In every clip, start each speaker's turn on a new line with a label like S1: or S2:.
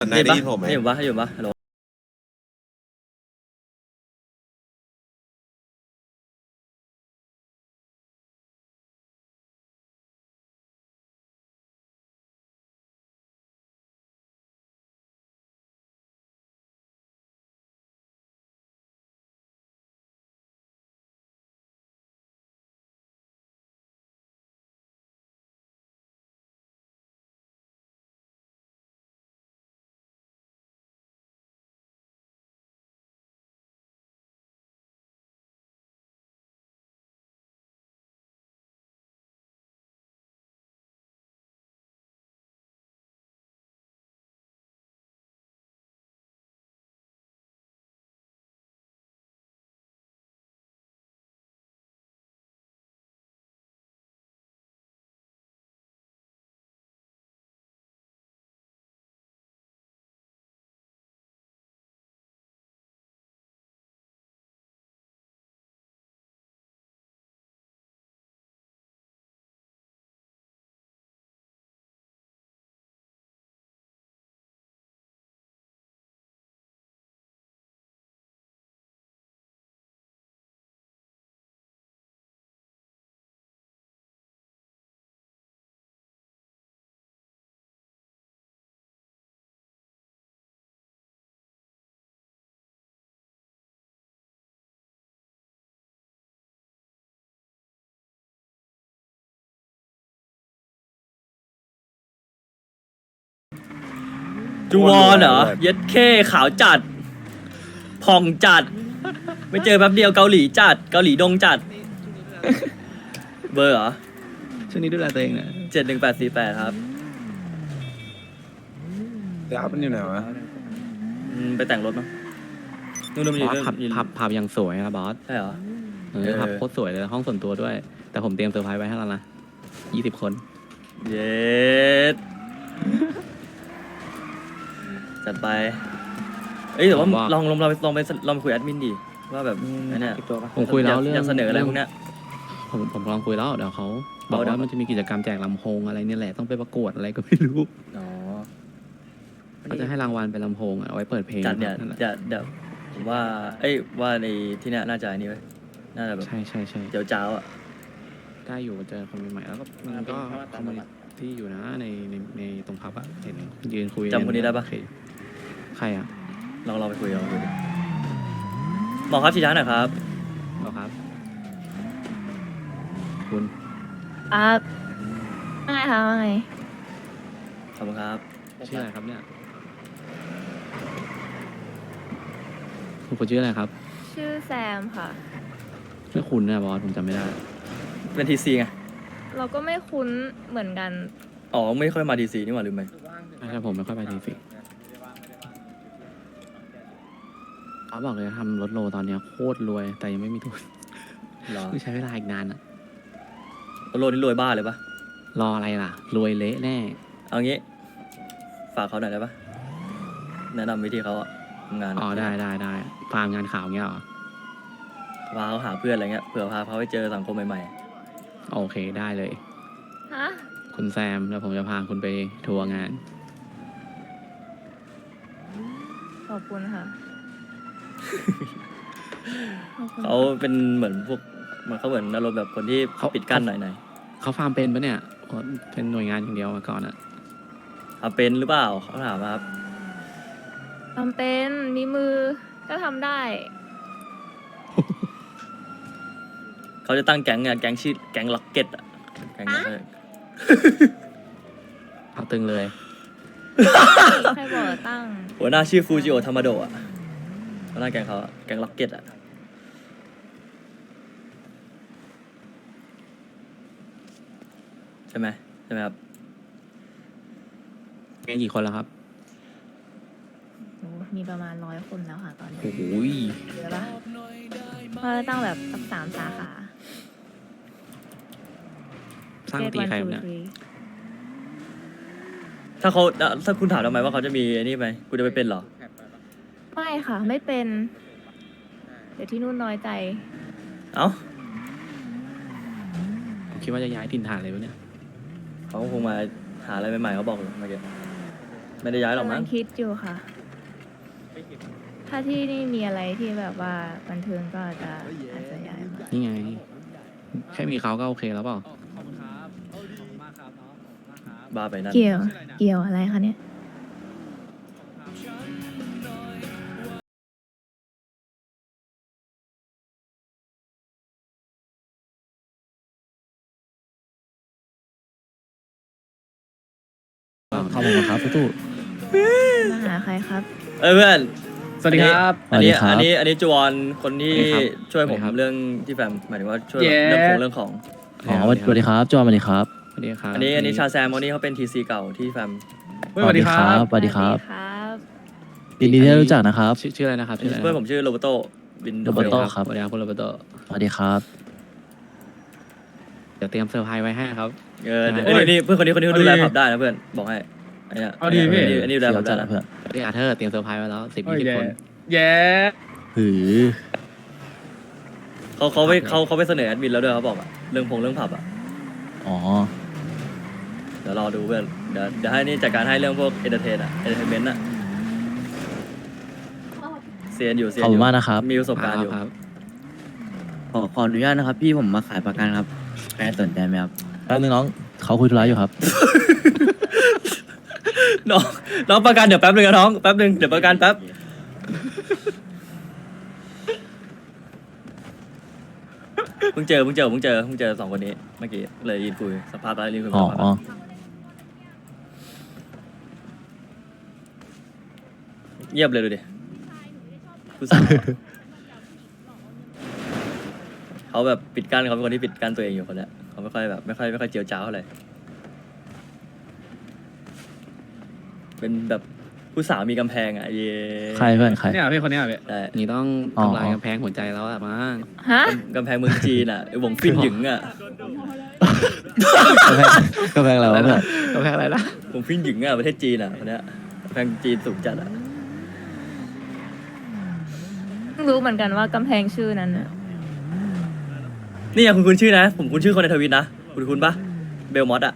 S1: นายได้ยินผมไหม
S2: ให้อยู่ปะฮัลโหลจูวอนเหรอเย็ดเข้ขาวจัดผ่องจัด ไม่เจอแป๊บเดียวเกาหลีจัดเกาหลีดงจัด เบอร์เหรอ
S3: ช่วงนี้ดูแลตัวเองนะ
S2: 71848ครับ
S1: แต่อัพมันอยู่ไหนวะ
S2: ไปแต่งรถมั้งนู่นมัน
S3: บ
S2: อยู่
S3: อส
S2: เรื่อง
S3: ผับยังสวยนะบอส
S2: ใช่เหรอ
S3: ผับโคตรสวยเลยห้องส่วนตัวด้วย แต่ผมเตรียมเซอร์ไพรส์ไว้ให้แล้วนะ20 คน
S2: เย็ดจัดไปเอ้ยแต่ว่าลองไปคุยแอดมินดิว่าแบบไอ้เนี่ย
S3: ผมคุยแล้วเรื่อง
S2: อยากเสนออะไรพวกเนี้ย
S3: ผมลองคุยแล้วเดี๋ยวเขาบอก
S2: เดี๋ยว
S3: ว่ามันจะมีกิจกรรมแจกลำโพงอะไรเนี่ยแหละต้องไปประกวดอะไรก็ไม่รู้
S2: อ๋อ
S3: เขาจะให้รางวัลเป็นลำโพงเอาไว้เปิดเพลง
S2: จัดเนี่ย
S3: นั่นแหละ
S2: เดี๋ยวผมว่าว่าในที่เนี้ยน่าจะอันนี้ไว้ยน่าจะแบบ
S3: ใช่
S2: เดี๋ยวเจ้าอ่ะ
S3: ได้อยู่เจอคนใหม่ๆแล้วก็มันก็คอมมูนิตี้อยู่นะในตรงพับอะเห็นยืนคุย
S2: จำคนนี้ได้ปะ
S3: โอเคใครอะ
S2: ลองไปคุยดิหมอครับชี้ช้าหน่อยครับ
S3: บอกครับ คุณ
S4: ว่าไงคะว่าไง
S2: ขอบคุณครับ
S3: ชื่ออะไรครับเนี่ยคุณชื่ออะไรครับ
S4: ชื่อแซมค่ะ
S3: ไม่คุณนะบอสผมจำไม่ได้
S2: เป็นทีซีไง
S4: เราก็ไม่คุ้นเหมือนกัน
S2: อ๋อไม่ค่อยมาทีซีนี่หว่าลืมไป
S3: ไม่ใช่ผมไม่ค่อยไปทีสิเขาบอกเลยทำรถโลตอนเนี้ยโคตรรวยแต่ยังไม่มีทุน
S2: รอ
S3: ต้องใช้เวลาอีกนานอะ
S2: โลนี่รวยบ้าเลยปะ
S3: รออะไรล่ะ รวยเละแน่
S2: เอางี้ ฝากเขาหน่อยได้ปะแนะนำวิธีเขาอะทำงาน
S3: อ๋อได้ฟาร์มงานข่าวเงี้ยเหรอ
S2: พาเขาหาเพื่อนอะไรเงี้ยเผื่อพาเขาไปเจอสังคมใหม่
S3: โอเคได้เลย
S4: ฮะ
S3: คุณแซมแล้วผมจะพาคุณไปทัวร์งาน
S4: ขอบคุณค่ะ ขอบคุณ
S2: ๆเขาเป็นเหมือนพวกเขาเหมือนอารมณ์แบบคนที่
S3: เขา
S2: ปิดกั้นหน่อย
S3: เขาฟาร์มเป็นปะเนี่ยเป็นหน่วยงานอย่างเดียวมาก่อนอะ
S2: ๆเอาเป็นหรือเปล่าเขาถามมาครับ
S4: ทำเป็นมีมือก็ทำได้
S2: เขาจะตั้งแก๊งไงแก๊งชื่อแก๊งล็อกเก็ตอะแก๊งนั้นเลย
S3: เอาตึงเลย
S4: ใครบอกตั้ง
S2: หัวหน้าชื่อฟูจิโอธรรมโดะหัวหน้าแก๊งเขาอะแก๊งล็อกเก็ตอะใช่ไหมครับ
S3: มีกี่คนแล้วครับ
S4: โอ้มีประมาณ100 คนแล้วค่ะตอนนี้
S3: โอ้โห
S4: เยอะปะเพราะตั้งแบบสัก3 สาขา
S3: สร้างตีใครครับเนี่ย
S2: ถ้าคุณถามทำไมว่าเขาจะมีไอ้นี่ไหมกูจะไปเป็นเหรอ
S4: ไม่ค่ะ ไม่เป็น เดี๋ยวที่นู่นน้อยใจ
S2: เอ้า
S3: ผมคิดว่าจะย้ายถิ่นฐานเลยวะเนี่ย
S2: เขาคงมาหาอะไรใหม่ๆเขาบอกอยู่เมื่อกี้ไม่ได้ย้ายหรอก
S4: กำลั
S2: มั้
S4: ง
S2: ง
S4: คิดอยู่ค่ะ ถ้าที่นี่มีอะไรที่แบบว่าบันเทิงก็อาจจะย้ายมา
S3: นี่ไง แค่มีเขาก็โอเคแล้วเปล่า
S2: บ้าไปนั่น
S4: เกี่ยวอะไรคะเนี่ย
S5: ขอบคุณครับตู้
S4: มาหาใครครับ
S2: เอ้ยเพื่อน
S6: สวัสดีครับ
S2: อันนี้
S5: สวัสดีครับ
S2: อันนี้จวนคนที่
S3: สวัสดีครับ
S2: ช่วยผม
S3: สวัสดีครับ
S2: เรื่องที่แฟมหมายถึงว่าช่วย
S6: เย้
S2: เรื่องของ
S5: อ๋อสวัสดีครับจอห์นสวัสดีครับ
S3: สวัสดีครับ
S2: อันนี้ชาแซมคนนี้เขาเป็นทีซีเก่าที่แฟม
S6: เฮ้ยสวัสดีครับ
S5: สวัสดีครับ
S4: ครับ
S5: ยินดีที่ได้รู้จักนะครับ
S3: ชื่ออะไรนะครับชื่ออะไรนะ
S2: เพื่อนผมชื่อโรเบโตวิน
S5: โรเบิร์โต้
S3: ครับสวัสดีครับคุณโรเบิร์โต
S5: สวัสดีครับ
S3: เดี๋ยวเตรียมเซอร์ไพรส์ไว้ให้ครับ
S2: เอ้ยนี่เพื่อนคนนี้เขาดูแลผับได้นะเพื่อนบอกให้ไอ้เนี่ย
S6: เอาดีพี่
S2: อันนี้ดูแล
S5: เสี
S2: ผั
S5: ยว
S2: บ
S5: จั
S2: ได้
S5: ด
S2: นะ
S5: นะเพื่อน
S3: เรียกอาเธอร์เตรียมเซอร์ไพรส์ไว้แล้ว10
S6: โอ้ย
S3: 20 คน
S6: แย่
S5: หือ
S2: เขาไปเสนอแอดมินแล้วด้วยเขาบอกอะเรื่องผับอะ
S5: อ๋อ
S2: เดี๋ยวรอดูเพื่อนเดี๋ยวให้นี่จัดการให้เรื่องพวกเอนเตอร์เทนเมนต์อะเซียนอยู่
S5: ขอบคุณมากนะครับ
S2: มีประสบการณ์อยู่
S3: ครับ
S7: ขออนุญาตนะครับ พี่ผมมาขายประกันครับใครสนใจไหมครับ
S5: แป๊บนึงน้องเขาคุยธุระอยู่ครับ
S2: น้องประกันเดี๋ยวแป๊บนึงนะน้องแป๊บนึงเดี๋ยวประกันแป๊บเพิ่งเจอสองคนนี้เมื่อกี้เลยยินคุยสัมภาษณ์แล้วยินคุย
S5: อ๋อ
S2: สัมภาษณ์แล้วเงียบเลยดูดิผู้สาวเขาแบบปิดกั้นเขาเป็นคนที่ปิดกั้นตัวเองอยู่คนเนี้ยเขาไม่ค่อยแบบไม่ค่อยเจียวจ้าวเท่าไหร่เป็นแบบผู้สาวมีกำแพงอ่ะเย่
S5: ใครเพื่อนใคร
S6: เนี่ยพี่คนเนี้ยพี่
S2: ใช่
S3: นี่ต้อง
S5: อ๋อ
S3: ทำลายกำแพงหัวใจแล้วอะมั้ง
S4: ฮะ
S2: กำแพงเมืองจีนอ่ะไอ้วงฟินหยิงอ่ะ
S5: กำแพงอะไรวะเพื่อน
S3: กำแพงอะไรนะ
S2: วงฟินหยิงอ่ะประเทศจีนอ่ะคนเนี้ยกำแพงจีนสูงจัดอ่ะ
S4: เพิ่งรู้เหมือนกันว่ากำแพงชื่อนั้นน่ะ
S2: นี่อย่างคุณชื่อนะผมคุณชื่อคนในทวิตนะคุณปะเบลมอสอ่ะ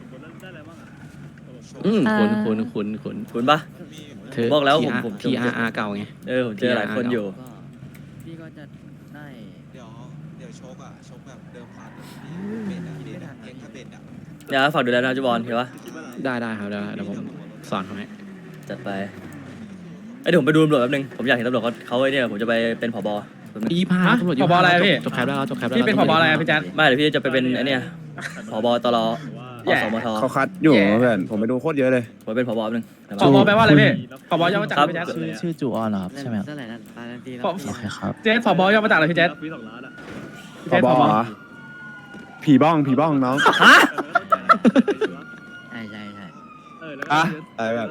S3: คุณ
S2: คุณปะ
S3: เธอ
S2: บอกแล้วผม
S3: TRR เก่าไง
S2: ผมเจอหลายคนอยู่
S7: พี่ก็จะได้
S1: เดี๋ยวชกอ่ะชกแบบเดิมพันเบ็ดอ่ะเบ็ดอ่ะเก่งถ้าเบ็ดอ่ะ
S2: เนี่ยฝากดูแลนะจุบอลเห็นปะ
S3: ได้ครับเดี๋ยวผมสอนเขาให้
S2: จัดไปเดี๋ยวผมไปดูตำรวจแป๊บนึงผมอยากเห็นตำรวจเขาไอ้เนี่ยผมจะไปเป็นผบแป๊บนึง
S3: 25
S6: ฮะ
S3: ตำรวจ
S6: ผบอะไรอะพี่
S3: จบแคปแล้วจบแคปแล้ว
S6: พี่เป็นผบอะไรอะพี่แจ๊ด
S2: ไม่เดี๋ยวพี่จะไปเป็นไอ้เนี่ยผบตรอ
S6: แย่
S2: สมท
S1: เขาคัดอยู่เพื่อนผมไปดูโคตรเยอะเลย
S2: ผมเป็นผบแป๊บนึง
S6: ผบแปลว่าอะไรพี่ผบย่อมาจากอะไรพี่แจ๊ด
S5: ชื่อจูออนเหรอครับใช่ไหมครับ
S7: เท่าไหร่นะตาลันตี
S6: ผม
S5: โอเคครับ
S6: เจ๊ผบย่อมาจากอะไรพี่แจ๊ดพี่
S1: พ
S6: แจ๊ด
S1: บ
S6: ผบ
S1: ผีบ้องน้อง
S2: ฮะ
S7: ใช่
S1: อะอะไรแบบ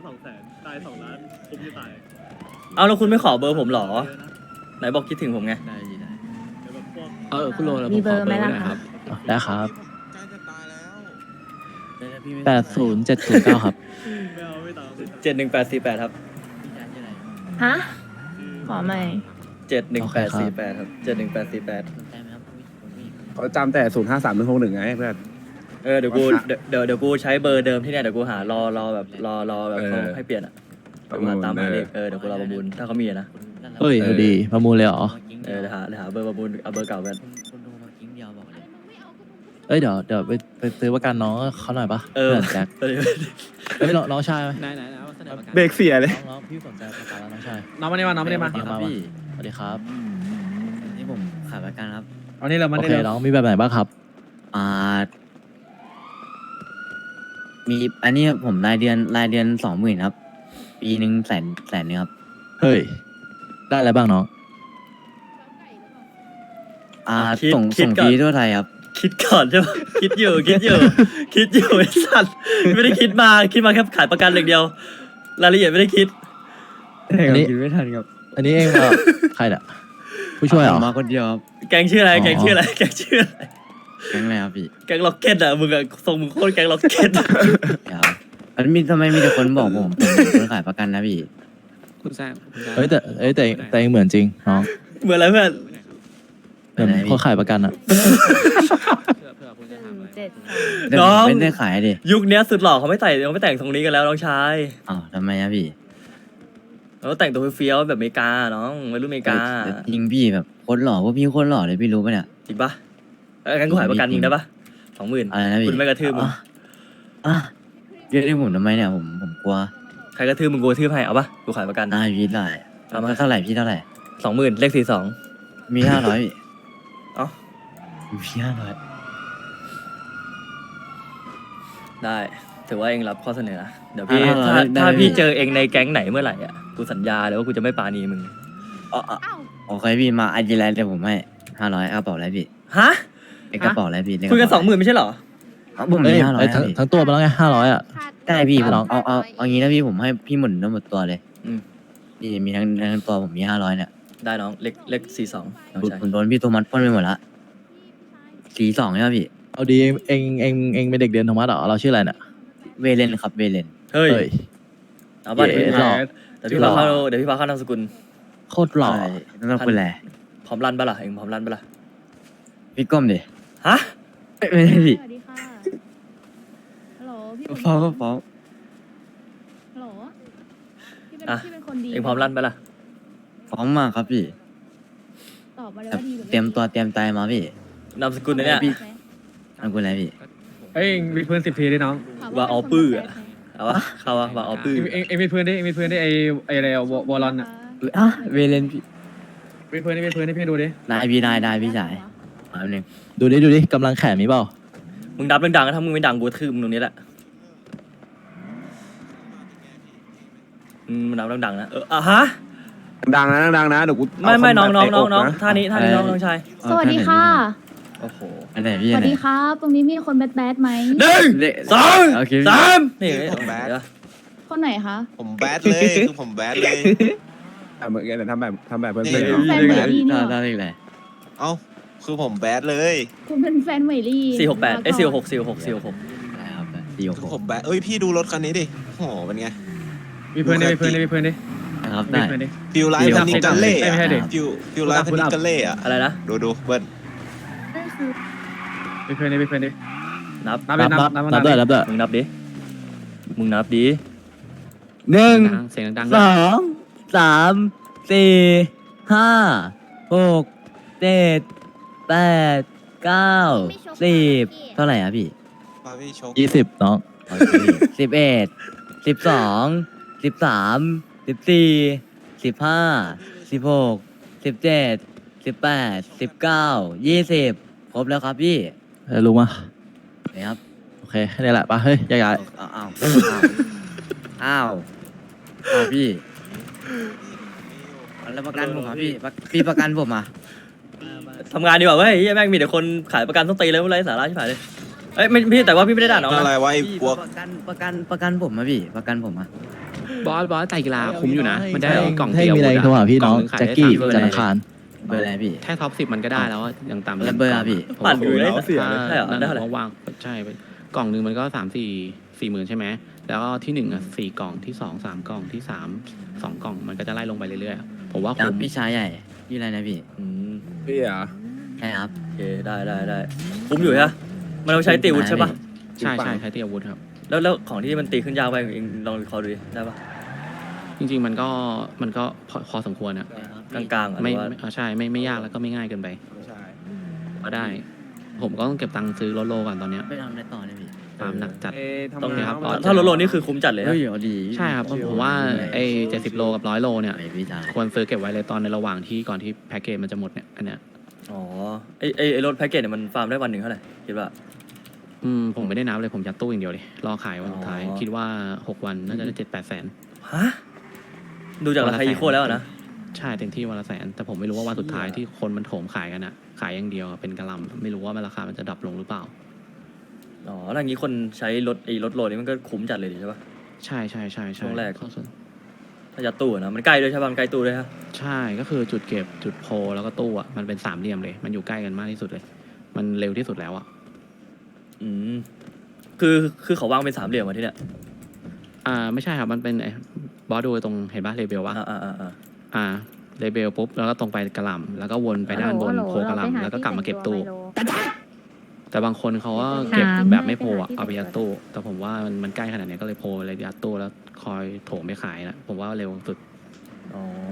S2: เอาแล้วคุณไม่ขอเบอร์ผมเหรอไหนบอกคิดถึงผมไง
S7: ได้ดีได้
S3: คุณโรแล้ว
S4: มี
S3: ผม
S4: เบ
S3: ข
S4: อ
S3: อ
S4: ร์
S3: เบ
S4: ไหม
S3: อร์ไว้
S4: ล่ะ
S3: หน่อย
S4: ค
S3: ค
S4: รั
S3: รับ บ
S5: ได้ครับ
S7: แต่พี่ไม่
S5: 80709ครับ
S2: 71848ครับ
S7: พี่แจ๊ดชื่ออะไร
S4: ฮะ ขอใหม่
S2: 71848ครับ71848
S7: สนใจไหมครับพี่
S1: เขาจำแต่053 161ไงเพื่อน
S2: เดี๋ยวกูใช้เบอร์เดิมที่เนี่ยเดี๋ยวกูหารอแบบเขาให้เปลี่ยนอ่ะเดี๋ยวกูหาตามหาเลขเดี๋ยวกูรอประมูลถ้าเขามีอะนะ
S5: เฮ้ยดูดีประมูลเลยเหรอ
S2: เดี๋ยวหาเบอร์ประมูลเอาเบอร์เก่ากัน
S7: คุณดูมากิ้งเดียวบอกเลย
S5: เอ้ยเดี๋ยวไปซื้อประกันน้องเขาหน่อยปะ
S2: เออ
S5: พื่นแจ็คเอ้ยน้องชายไหม
S3: ไหนเอาเสนอประกัน
S1: เบรกเสียเลย
S5: น้องพี่สนใจประกันแล้วน้องชาย
S6: น้องมาได้มาน้องมาได้มา
S7: ครับพี่
S5: สวัสดีครับ
S7: นี่ผมขายประกันครับ
S6: เอานี่เรามา
S5: โอ
S6: ได้
S5: เค
S6: เลย
S5: น้องมีแบบไหนบ้างครับ
S7: อ่ามีอันนี้ผมรายเดือน20,000ครับ ปีหนึ่งแสนนึงครับ
S5: เฮ้ยได้อะไรบ้างน้อง
S7: ส่งฟรีทั่วไทยครับ
S2: คิดก่อนใช่ปะคิดอยู่ไอ้สัตว์ไม่ได้คิดมาแค่ขายประกันอย่างเดียว รายละเอียดไม่ได้คิด
S5: อันนี้
S7: คิดไม่ทันครับ
S5: อันนี้เองใครเนี่ยผู้ช่วยเหรอ
S7: ผมมาคนเดียวครับ
S2: แกงชื่ออะไร
S5: อ๋อ
S2: แกงชื่ออะไร
S7: แก๊งอะไรครับพี่
S2: แกงล็อกเก็ตอ่ะมึงอะทรงมึงโคตรแกงล็อกเก็ต
S7: ครับอันมีทำไมมีแต่คนบอกผมเป็นคนขายประกันนะพี่
S3: คุณแซม
S5: เอ้ยแต่เองเหมือนจริงน้อง
S2: เหมือนอะไรเพื่อน
S5: เหมือนคนขายประกันอะ
S3: เพื่อคุณ
S4: 173
S7: เดี๋ยวผมไม่ได้ขายดิ
S2: ยุคเนี้ยสุดหล่อเขาไม่ใส่เขาไม่แต่งทรงนี้กันแล้วน้องชาย
S7: อ้าวทำไมอะพี่
S2: เขาแต่งตัวเฟี้ยวๆแบบอเมริกาน้องวัยรุ่นอเมริกา
S7: จริงพี่แบบโคตรหล่อพวกพี่โคตรหล่อเลยพี่รู้ปะเนี่ย
S2: จริงปะงั้นกูขายประกันมึงได้ปะ20,000
S7: อะไรนะพี่
S2: คุณไม่กระทืบมึง
S7: อ่ะเรียกได้ผมทำไมเนี่ยผมกลัว
S2: ใครกระทืบมึงกูกระทืบให้เอาปะกูขายประกัน
S7: พี่ได้
S2: เอามา
S7: เท่าไหร่พี่เท่าไหร่
S2: 20,000เลข42
S7: มี500พี่
S2: เอ้า
S7: มี500
S2: ได้ถือว่าเองรับข้อเสนอนะเดี๋ยวพี่
S7: 500
S2: ถ้า
S7: ได้
S2: พี่
S7: พี่
S2: เจอเองในแก๊งไหนเมื่อไหร่อ่ะกูสัญญาเลยว่ากูจะไม่ปราณีมึง
S7: อ๋อโอเคพี่มาอาจิไลเดี๋ยวผมให้500กระเป๋าอะไรพี่
S2: ฮะ
S7: ไอ้กระเป๋าอะไรพี่
S2: คุยกัน20,000ไม่ใช่เหรอ
S7: ผม
S5: เอ้
S7: มี
S5: ย
S7: 500
S5: ไอ้ทั้ง
S7: พี่
S5: ทั้งตัวมาแล้วไง500อ่ะ
S7: ได้พี่ผมเอางี้นะพี่ผมให้พี่หมุนทั้งหมดตัวเลย
S2: อืม
S7: นี่มีทั้งตัวผมมี500เนี่ย
S2: ได้น้องเลข42น้องชาย
S7: ผมโดนพี่โทมัสปล้นไปหมดละ42ใช่ไหมพี่
S5: เอาดีเองเป็นเด็กเรียนธรรมะเหรอเราชื่ออะไรเนี่ย
S7: เวเลนครับเวเลน
S2: เฮ้ย
S5: เฮ้ย
S2: เอาป่ะเดี๋ยว
S5: เย้
S2: พี่
S5: หล่อ
S2: เดี๋ยวพี่พาเข้านามสกุล
S5: โคตรหล่อ
S7: ใช่ต้องเป็นแหละ
S2: พร้อมรันปะล่ะเองพร้อมรันปะล่ะ
S7: พี่ก้มดิ
S2: ฮะ
S7: ไม่ได้พี่
S4: สวัสดีค่ะฮัลโหลพี่
S7: ฟ้องก็ฟ้อง
S4: ฮัลโหลพี่เป็น
S2: อ่ะ
S4: พี่เป็นคนดี
S2: เองพร้อมรันปะล่ะ
S7: ฟ้องมากครับพี่
S4: ตอบมาเลย
S7: แบบ
S4: ว่าดีหรือไม่
S7: เตรียมตัวเตรียมใจมาพี่
S2: นามสกุลเนี่ย
S7: พี่ อันกูอะไรพี่
S6: เอ้ยมีเพื่อน10 ทีดิน้อง
S4: ถม
S2: ว่าเอาปื้ออะ เอาวะเข้าวะมาเอาปื้อ
S6: เองมีเพื่อนดิมีเพื่อนดิไออะไรอะวอลลอนอะ
S7: อ่ะเวเลนพี่
S6: มีเพื่อนดิพี่ดูดิ
S7: ได้พี่ได้พี่ชายมาแป๊บนึง
S5: ดูดิกำลังแขนมีเปล่า
S2: มึงดับดังๆถ้ามึงไม่ดังกูทืบมึงตรงนี้แหละมึงดับดังๆนะฮะ
S8: ดังนะดังนะเดี๋ยวกู
S2: ไม่น้อง
S8: เาคมแบบ
S2: น้อง
S8: เตะกะ
S2: ท่านี้น้องชาย
S4: สวัสดีค่ะ
S2: โอ้โห
S7: อันไหนพี่
S4: ส
S7: อั
S4: วัน ส
S7: ไหน
S4: ดีครับ ตรงนี้มีคนแบดไหม
S2: หนึ่ง สอง
S7: โอเค
S2: สามนี่
S1: ผมแบด
S2: เดี๋ยว
S4: คนไหนคะ
S1: ผมแบดเลยคือผมแบดเลย
S8: เหมือนกันทำแบบเพื่อน
S1: นี่
S8: ๆ
S4: แฟนเหมยลี่นี่
S7: ได้
S4: หรอ
S7: ได้เลย
S1: เอ้าคือผมแบดเลย
S4: คุณเป็นแฟนเหมยลี่
S2: 468เอ้ย466
S7: ได้ครับดี
S1: คือผมแบดเอ้ยพี่ดูรถคันนี้ดิโอ้โหเป็นไง
S6: มีเพื่อนดิมีเพื่อนดิมีเพื่อนดิ
S7: นะครับ
S6: มี
S7: ได้
S6: เพื่อนดิ
S1: ฟิลไลฟ์
S7: เดี๋ยว
S1: พันนิกันเล่
S6: ไม่ใช่ดิ
S1: ฟิลไลฟ์พันนิกันเล่อะ
S2: อะไรนะ
S1: ดูเบิ้ล
S4: นั่นคือ
S6: มีเพื่อนดิมีเพื่อนดิ
S2: นับ
S6: นับเลยนับ
S5: นับด้วยนับด้วย
S2: มึงนับดิมึงนับดิ
S7: หนึ่ง
S3: เสียงดัง
S7: สองสามสี่ห้าหกเจ็ดแปดเก้า10เท่าไหร่อะพี่
S1: พาพี่โชค
S5: 20น้อง
S7: 11 12 13 14 15 16 17 18 19 20ครบแล้วครับพี่
S5: รู้มา
S7: นะครับ
S5: โอเคนี่แหละปะเฮ้ยย้าย
S7: อ้าวพี่แล้วประกันผมครับพี่ประกันผมอ่ะ
S2: ทำงานดีกว่าเว้ยเหี้ยแม่งมีแต่คนขายประกันต้องตีเลยอะไรสาระชิบหายเลยเอ้ยไม่พี่แต่ว่าพี่ไม่ได้ด่าน้อง
S1: อะไร
S2: นะ
S1: วะไอ้พวก
S7: ประกันผมอะพี่ประกันผมอะ
S3: บอสไตรกีฬาคุ้มอยู่นะ มันได้กล่อง
S5: ให้
S3: เดียว
S5: มีอะไรโทรหาพี่น้อง
S3: ขาย
S5: แจ็ค
S3: ได้
S5: กี้
S3: 3เบอร์
S5: จันท
S3: เลย
S5: ร์อังคาร
S7: เบอร์อะไรพี่
S3: แค่ท็อป 10มันก็ได้แล้วอะอย่างต่ำ
S7: แล้วเบอร์อะพี่
S2: ปั่นอยู่ได้
S8: เสียเลย
S2: ใช่เหรอได้
S3: นั่น
S2: เท่าไหร่
S3: เขาวางใช่ไปกล่องหนึ่งมันก็4 หมื่นใช่ไหมแล้วก็ที่1อ่ะ4 กล่องที่2 3 กล่องที่3 2 กล่องมันก็จะไล่ลงไปเรื่อยๆผมว่า
S7: จาก
S3: คุ้ม
S7: พี่ชายใหญ่พี่อะไรนะพี่
S2: อืม
S8: พี่อ่ะ
S7: ใช่ครับ
S2: โอเคได้คุ้มอยู่ใช่ปะมันเอาไปใช้ตีอาวุธใช่ปะ
S3: ใช่ใช่ตีอาวุธครับ
S2: แล้วของที่มันตีขึ้นยากไปเองลองวิเคราะห์ดูดิได้ปะ
S3: จริงๆมันก็พอสมควรอะ
S2: กลางๆอ่ะห
S3: ไม่
S2: รือว่า
S3: ใช่ไม่ยากแล้วก็ไม่ง่ายเกินไป
S8: ใช่
S3: ก็ได้ ผมก็ต้องเก็บตังค์ซื้อรถโลก่อนตอนเนี้ย
S7: ไปทำอะไรต่อเนี่ยพี่
S3: ตามหนักจัด
S8: ทำ
S3: ต้อง
S8: งา
S3: เนี่
S8: น
S3: ยครับ
S2: ถ้ารถโลนี่คือคุ้มจัดเลย
S7: เฮ้
S2: ฮะ
S7: ยเอาดี
S3: ใช่ครับผมว่าไอ้70 โลกับ100 โลเนี่ย
S7: ไอพี่ชาย
S3: ควรซื้อเก็บไว้เลยตอนในระหว่างที่ก่อนที่แพ็กเกจมันจะหมดเนี่ยอันเนี้ย
S2: อ๋อไอ้รถแพ็กเกจเนี่ยมันฟาร์มได้วันหนึ่งเท่าไหร่คิดว่า
S3: ผมไม่ได้นับเลยผมยัดตู้อย่างเดียวเลยรอขายวันสุดท้าย
S2: อ๋อ
S3: คิดว่า6 วันน่าจะได้7-8 แสน
S2: ฮะดูจากราคาอีโคแล้วอะนะ
S3: ใช่เต็มที่วันละ100,000แต่ผมไม่รู้ว่าวันสุดท้ายที่คนมันโถมขายกันอะขายอย่างเดียวเป็นกระหลำไม่รู้ว่าราคามันจะดรอปลงหรือเปล่า
S2: อ๋อแล้วอย่างนี้คนใช้รถโลนี่มันก็คุ้มจัดเลยดิใช่ปะ
S3: ใช่
S2: ช่วงแรก
S3: เข้าส่วน
S2: ถ้ายัดตู้อะนะมันใกล้ด้วยใช่ปะมันใกล้ตู้ด้วยฮะ
S3: ใช่ก็คือจุดเก็บจุดโพลแล้วก็ตู้อะมันเป็น3 เหลี่ยมเลย มันอยู่ใกล้กันมากที่สุดเลย มันเร็วที่สุดแล้วอะ
S2: อืมคือเขาวางเป็นสามเหลี่ยมมาที่เนี่ย
S3: ไม่ใช่ครับมันเป็นบอสดูตรงเห็นปะเลเบลวะ เลเบลปุ๊บแล้วก็ตรงไปกระหล่ำแล้วก็วนไปด้านบนโพกระหล่ำแล้วก็กลับมาเก็บตู้แต่บางคนเขาก็เก็บแบบไม่โพลอะเอาไปยัดตู้แต่ผมว่ามันใกล้ขนาดนี้ก็เลยโพลเลยยัดตู้แล้วคอยโถมไปขายนะผมว่าเร็วสุด
S2: อ๋อ